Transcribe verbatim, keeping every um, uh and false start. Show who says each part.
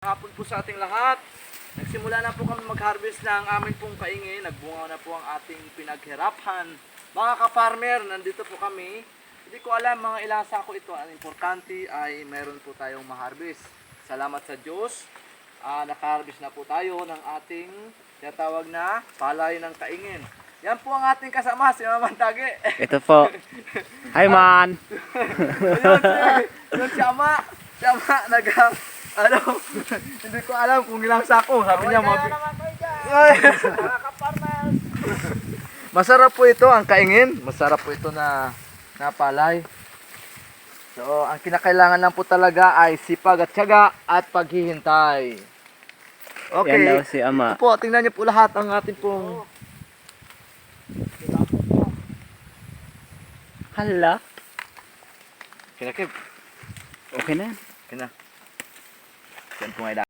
Speaker 1: Hapon po sa ating lahat. Nagsimula na po kami mag-harvest ng amin pong kaingin. Nagbunga na po ang ating pinaghirapan. Mga ka-farmer, nandito po kami. Hindi ko alam mga ilang sako ito. Ang importante ay meron po tayong ma-harvest. Salamat sa Diyos. Uh, naka-harvest na po tayo ng ating tinatawag na palay ng kaingin. Yan po ang ating kasama, si Maman Tage.
Speaker 2: Ito po. Hi, man!
Speaker 1: Yun si, yun si Ama. Si Ama, nag, ano, hindi ko alam kung ilang sako. Sabi niya, mga... Masarap po ito, ang kaingin. Masarap po ito na, na palay. So, ang kinakailangan lang po talaga ay sipag at tiyaga at paghihintay. Okay.
Speaker 2: Yan daw si Ama.
Speaker 1: Ito po, tingnan niyo po lahat ang ating pong...
Speaker 2: Hala.
Speaker 1: Kinakib.
Speaker 2: Okay na.
Speaker 1: Okay na. Yan po nga